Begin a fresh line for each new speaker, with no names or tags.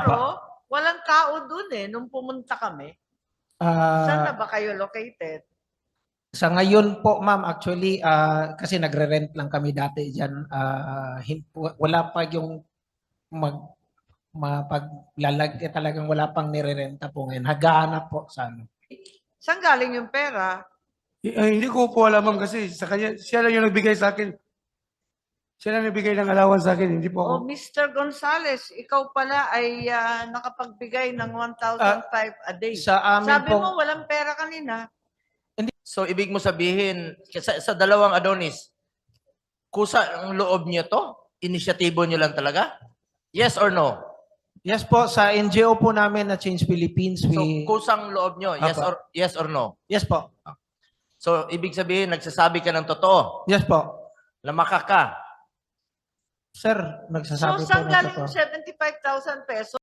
Pero walang tao dun nung pumunta kami. Saan na ba kayo located?
Sa ngayon po, ma'am, actually, kasi nagre-rent lang kami dati dyan. Wala pa yung mapaglalagay, talagang wala pang nire-renta po ngayon. Hagahanap po sa ano.
Saan galing yung pera?
Hindi ko po alam, ma'am, kasi sa kanya, siya lang yung nagbigay sa akin. Siya lang nagbigay ng allowance sa akin, hindi po ako.
Oh, Mr. Gonzales, ikaw pala ay nakapagbigay ng 1,500 a day.
Sa amin
Sabi
pong-
mo walang pera kanina.
So, ibig mo sabihin, sa dalawang Adonis, kusa ang loob niyo to? Inisyatibo niyo lang talaga? Yes or no?
Yes po, sa NGO po namin na Change Philippines,
So, kusang loob niyo,
Apa.
yes or no?
Yes po.
So, ibig sabihin, nagsasabi ka ng totoo.
Yes po.
Lamaka ka.
Sir, nagsasabi
So,
po
saan
ng
galing
totoo.
yung 75,000 pesos?